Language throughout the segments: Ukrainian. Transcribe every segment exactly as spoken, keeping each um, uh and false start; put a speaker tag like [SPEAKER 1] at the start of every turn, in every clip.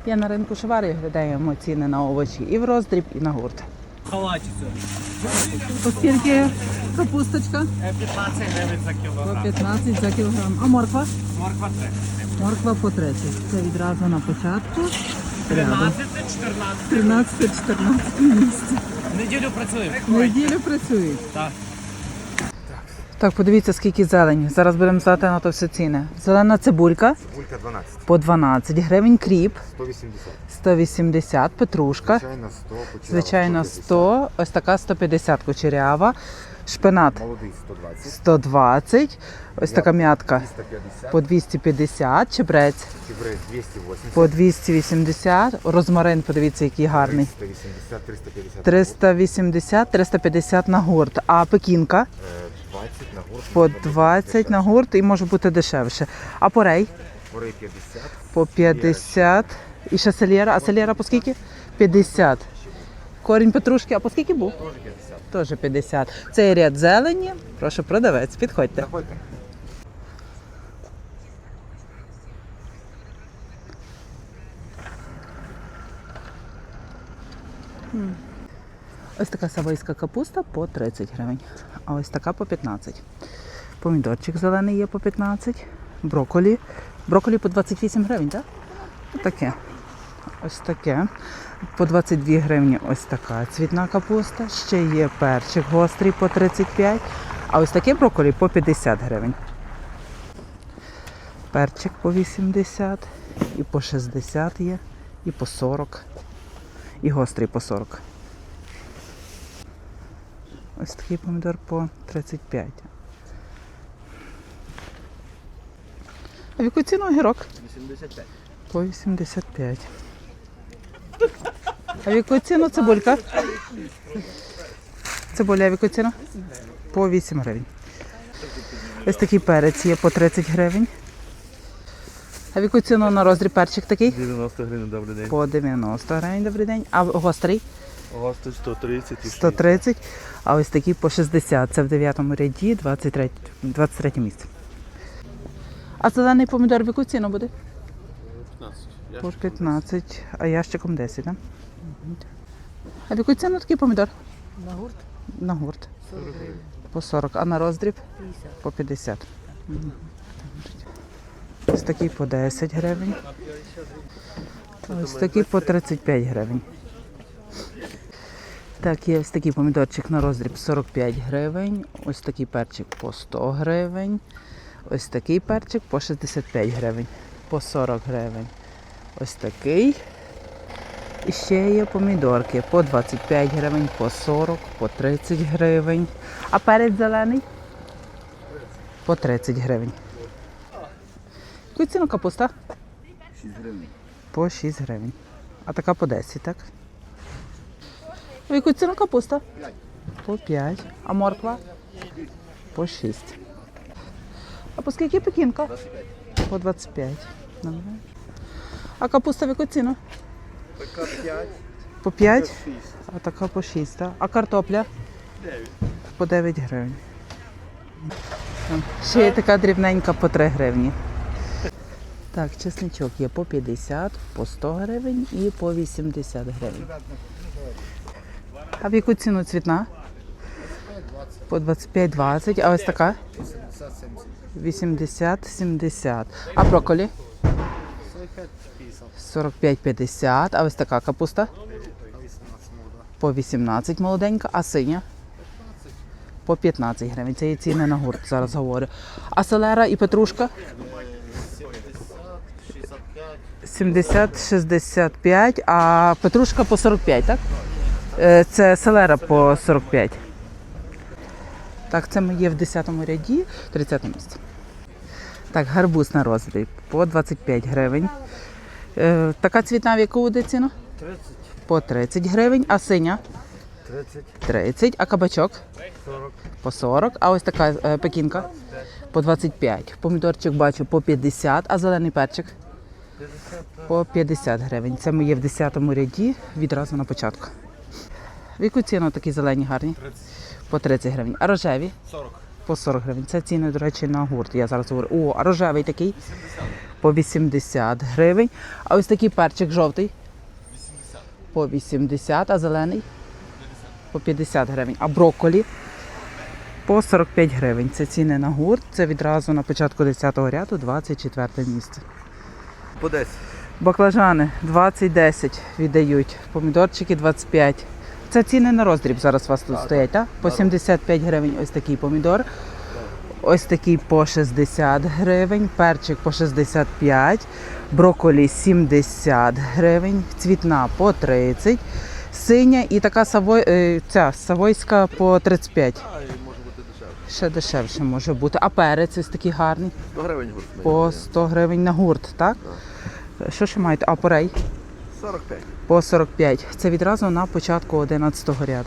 [SPEAKER 1] Я на ринку Шевари глядаємо ціни на овочі і в роздріб, і на гурт.
[SPEAKER 2] Халатицю.
[SPEAKER 1] Оскільки капусточка?
[SPEAKER 2] п'ятнадцять гривень за
[SPEAKER 1] По
[SPEAKER 2] кілограм.
[SPEAKER 1] п'ятнадцять за кілограм. А морква?
[SPEAKER 2] Морква тридцять.
[SPEAKER 1] Морква по тридцять. Це відразу на початку.
[SPEAKER 2] тринадцять, чотирнадцять.
[SPEAKER 1] тринадцять-чотирнадцять місце.
[SPEAKER 2] Неділю працюємо.
[SPEAKER 1] Неділю працюють.
[SPEAKER 2] Так.
[SPEAKER 1] Так, подивіться, скільки зелені. Зараз будемо знати на то всі ціни. Зелена цибулька
[SPEAKER 3] Цибулька дванадцять.
[SPEAKER 1] по дванадцять гривень, кріп
[SPEAKER 3] сто вісімдесят.
[SPEAKER 1] сто вісімдесят, петрушка,
[SPEAKER 3] Звичайно сто, почерява
[SPEAKER 1] звичайно сто, ось така сто п'ятдесят кучерява, шпинат
[SPEAKER 3] Молодий сто двадцять.
[SPEAKER 1] сто двадцять, ось така м'ятка
[SPEAKER 3] двісті п'ятдесят.
[SPEAKER 1] по двісті п'ятдесят, чебрець
[SPEAKER 3] Чебрець двісті вісімдесят.
[SPEAKER 1] по двісті вісімдесят, розмарин, подивіться, який гарний.
[SPEAKER 3] триста вісімдесят, триста п'ятдесят.
[SPEAKER 1] триста вісімдесят, триста п'ятдесят на гурт, а пекінка
[SPEAKER 3] Е, двадцять на гурт.
[SPEAKER 1] по двадцять на гурт і може бути дешевше. А порей
[SPEAKER 3] Порей п'ятдесят.
[SPEAKER 1] по п'ятдесят. І ще селєра. А селєра по скільки? п'ятдесят. Корінь петрушки, а по скільки був?
[SPEAKER 3] Теж п'ятдесят.
[SPEAKER 1] Теж п'ятдесят. Цей ряд зелені. Прошу, продавець, підходьте.
[SPEAKER 3] Заходьте.
[SPEAKER 1] Ось така савойська капуста по тридцять гривень. А ось така по п'ятнадцять. Помідорчик зелений є по п'ятнадцять. Брокколі. Брокколі по двадцять вісім гривень, так? Таке. Ось таке. По двадцять дві гривні ось така цвітна капуста. Ще є перчик гострий по тридцять п'ять. А ось таке брокколі по п'ятдесят гривень. Перчик по вісімдесят. І по шістдесят є. І по сорок. І гострий по сорок. Ось такий помідор по тридцять п'ять. А в яку ціну огірок?
[SPEAKER 2] вісімдесят п'ять.
[SPEAKER 1] По вісімдесят п'ять. А в яку ціну цибулька? Цибуля в яку ціну? По вісім гривень. Ось такий перець є по тридцять гривень. А в яку ціну на роздріб перчик такий?
[SPEAKER 4] дев'яносто гривень, добрий день.
[SPEAKER 1] По дев'яносто гривень, добрий день. А гострий?
[SPEAKER 4] Гости сто тридцять і
[SPEAKER 1] сто тридцять. А ось такий по шістдесят. Це в дев'ятому ряді, двадцять третє місце. А зелений помідор в яку ціну буде?
[SPEAKER 4] п'ятнадцять.
[SPEAKER 1] По п'ятнадцять, а ящиком десять, так? А в яку ціну такий помідор?
[SPEAKER 5] На гурт
[SPEAKER 1] На гурт.
[SPEAKER 5] сорок гривень.
[SPEAKER 1] По сорок, а на роздріб?
[SPEAKER 5] п'ятдесят.
[SPEAKER 1] По п'ятдесят. Мгм. Ось такий по десять гривень. Ось такий по тридцять п'ять гривень. Так, є ось такий помідорчик на роздріб сорок п'ять гривень. Ось такий перчик по сто гривень. Ось такий перчик по шістдесят п'ять гривень. По сорок гривень. Ось такий. І ще є помідорки по двадцять п'ять гривень, по сорок, по тридцять гривень. А перець зелений? По тридцять гривень. Яку ціну капуста?
[SPEAKER 3] шість гривень.
[SPEAKER 1] По шість гривень. А така по десять, так? В яку ціну капуста? По п'ять. А морква? По шість. А по скільки пекінка? По двадцять п'ять. Добре. А капуста в яку ціну?
[SPEAKER 4] Така п'ять,
[SPEAKER 1] По п'ять?
[SPEAKER 4] шість.
[SPEAKER 1] А така по шість, так? А картопля?
[SPEAKER 4] дев'ять.
[SPEAKER 1] По дев'ять гривень. Ще є така дрібненька по три гривні. Так, чесничок є по п'ятдесят, по сто гривень і по вісімдесят гривень. А в яку ціну цвітна? По двадцять п'ять двадцять. А ось така? вісімдесят сімдесят. А брокколі? сорок п'ять п'ятдесят. А ось така капуста? По вісімнадцять молоденька. А синя? По п'ятнадцять гривень. Це є ціни на гурт, зараз говорю. А селера і петрушка? сімдесят шістдесят п'ять, а петрушка по сорок п'ять, так? Е, Це селера по сорок п'ять. Так, це ми є в десятому ряді, тридцяте місце. Так, гарбуз на роздріб по двадцять п'ять гривень. Е, Така цвітна в яку буде ціну?
[SPEAKER 4] тридцять.
[SPEAKER 1] По тридцять гривень, а синя?
[SPEAKER 4] тридцять.
[SPEAKER 1] тридцять, а кабачок?
[SPEAKER 4] сорок.
[SPEAKER 1] По сорок, а ось така е, пекінка? По двадцять п'ять. Помідорчик бачу по п'ятдесят, а зелений перчик? По п'ятдесят гривень. Це ми є в десятому ряді, відразу на початку. В яку ціну такі зелені гарні?
[SPEAKER 4] тридцять.
[SPEAKER 1] По тридцять гривень. А рожеві?
[SPEAKER 4] сорок.
[SPEAKER 1] По сорок гривень. Це ціни, до речі, на гурт. Я зараз говорю. О, а рожевий такий? по вісімдесят гривень. А ось такий перчик жовтий? По вісімдесят, а зелений? По п'ятдесят гривень. А брокколі? По сорок п'ять гривень. Це ціни на гурт. Це відразу на початку десятого ряду, двадцять четверте місце.
[SPEAKER 4] По десять.
[SPEAKER 1] Баклажани двадцять десять віддають. Помідорчики двадцять п'ять. Це ціни на роздріб зараз у вас тут стоять, так? По сімдесят п'ять гривень ось такий помідор. Ось такий по шістдесят гривень, перчик по шістдесят п'ять, брокколі сімдесят гривень, цвітна по тридцять, синя і така савой, е, ця савойська по тридцять п'ять.
[SPEAKER 4] А, і може бути дешевше.
[SPEAKER 1] Ще дешевше може бути. А перець ось такий гарний?
[SPEAKER 4] сто гривень гурт.
[SPEAKER 1] По сто гривень на гурт, так? Що ще маєте? А порей?
[SPEAKER 4] сорок п'ять.
[SPEAKER 1] По сорок п'ять. Це відразу на початку одинадцятого ряду.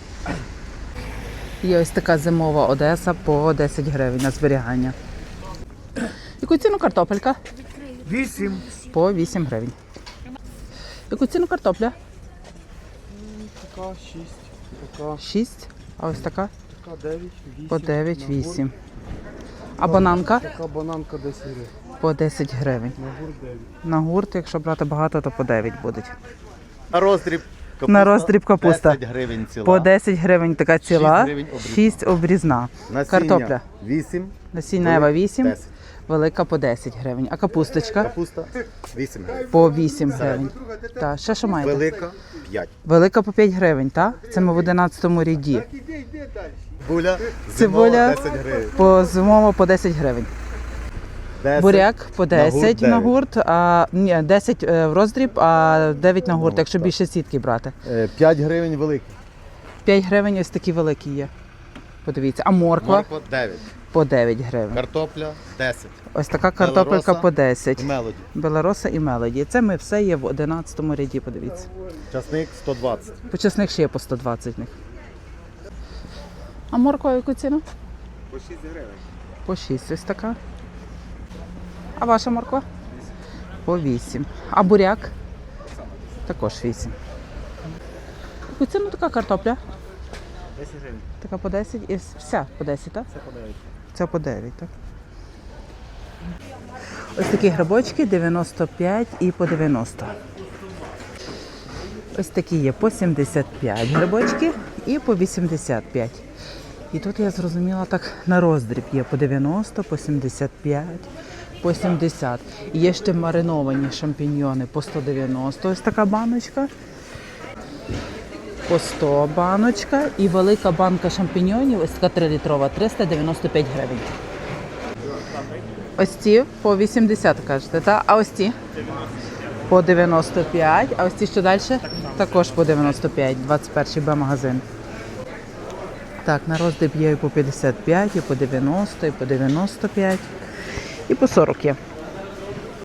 [SPEAKER 1] Є ось така зимова Одеса по десять гривень на зберігання. Яку ціну картопелька?
[SPEAKER 4] Вісім.
[SPEAKER 1] По вісім гривень. Яку ціну картопля?
[SPEAKER 4] Така шість. Така,
[SPEAKER 1] шість. А ось така?
[SPEAKER 4] така дев'ять, вісім.
[SPEAKER 1] По дев'ять вісім. А бананка?
[SPEAKER 4] Така бананка десять гривень.
[SPEAKER 1] По десять гривень.
[SPEAKER 4] На гурт дев'ять.
[SPEAKER 1] На гурт, якщо брати багато, то по дев'ять будуть.
[SPEAKER 3] На роздріб капуста.
[SPEAKER 1] На роздріб капуста.
[SPEAKER 3] десять гривень ціла.
[SPEAKER 1] По десять гривень така ціла,
[SPEAKER 3] шість гривень обрізна.
[SPEAKER 1] шість обрізна.
[SPEAKER 3] Насіння
[SPEAKER 1] Картопля.
[SPEAKER 3] вісім.
[SPEAKER 1] Насіння Ева вісім,
[SPEAKER 3] десять.
[SPEAKER 1] велика по десять гривень. А капусточка?
[SPEAKER 3] Капуста вісім гривень.
[SPEAKER 1] По вісім гривень. Так, ще що маєте?
[SPEAKER 3] Велика п'ять.
[SPEAKER 1] Велика по п'ять гривень, так? Це ми в одинадцятому ряді.
[SPEAKER 3] Цибуля
[SPEAKER 1] Цибуля
[SPEAKER 3] зимова десять гривень.
[SPEAKER 1] по зимово по десять гривень.
[SPEAKER 3] десять.
[SPEAKER 1] Буряк по
[SPEAKER 3] На гурт
[SPEAKER 1] десять на
[SPEAKER 3] дев'ять.
[SPEAKER 1] гурт, а ні, десять е, в роздріб, а дев'ять на гурт,
[SPEAKER 3] Ну,
[SPEAKER 1] якщо
[SPEAKER 3] так.
[SPEAKER 1] більше сітки брати.
[SPEAKER 3] Е, п'ять гривень великий.
[SPEAKER 1] п'ять гривень ось такі великі є. Подивіться. А морква
[SPEAKER 3] Морква дев'ять.
[SPEAKER 1] по дев'ять гривень.
[SPEAKER 3] Картопля десять.
[SPEAKER 1] Ось така картопелька
[SPEAKER 3] Белороса
[SPEAKER 1] по десять.
[SPEAKER 3] І мелоді.
[SPEAKER 1] Белороса і мелоді. Це ми все є в одинадцятому ряді, подивіться.
[SPEAKER 3] Часник сто двадцять.
[SPEAKER 1] Почесних ще є по сто двадцять них. А морква яку ціну?
[SPEAKER 3] По шість гривень.
[SPEAKER 1] По шість ось така. А ваша морква? По вісім. А буряк? Також вісім. Яку ціну така картопля?
[SPEAKER 3] десять гривень.
[SPEAKER 1] Така по десять і вся по десять, так?
[SPEAKER 3] Це по дев'ять.
[SPEAKER 1] Це по дев'ять, так? Ось такі грибочки дев'яносто п'ять і по дев'яносто. Ось такі є по сімдесят п'ять грибочки і по вісімдесят п'ять. І тут я зрозуміла так на роздріб є по дев'яносто, по сімдесят п'ять, по сімдесят. І є ще мариновані шампіньйони по сто дев'яносто, ось така баночка. По сто баночка і велика банка шампіньйонів, ось така трилітрова, триста дев'яносто п'ять гривень. Ось ці по вісімдесят, кажете, так? А ось ці? По дев'яносто п'ять. А ось ці що далі? Також по дев'яносто п'ять, двадцять перший Б-магазин. Так, на роздріб є і по п'ятдесят п'ять, і по дев'яносто, і по дев'яносто п'ять, і по сорок є.